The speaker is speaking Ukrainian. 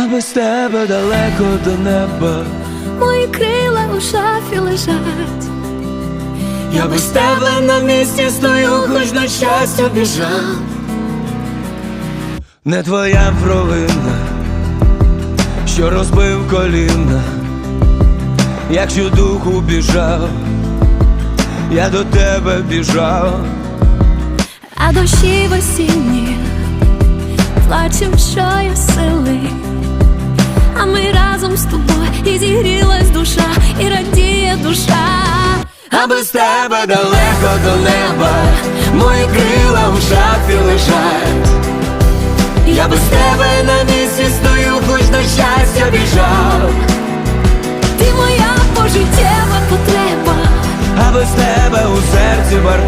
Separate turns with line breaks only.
а без тебе далеко до неба.
Мої крила у шафі лежать.
Я без тебе на місці стою, хоч на щастя біжав. Не твоя провина, що розбив коліна. Якщо духу біжав, я до тебе біжав.
А дощі в осінні плачем щосили, а ми разом з тобою, і зігрілась душа, і радіє душа.
А без тебе далеко до неба, мої крила в шафі лежать. Я без тебе на місці стою, хоч на щастя біжав.
Ти моя пожиттєва потреба,
а без тебе у серці бардак.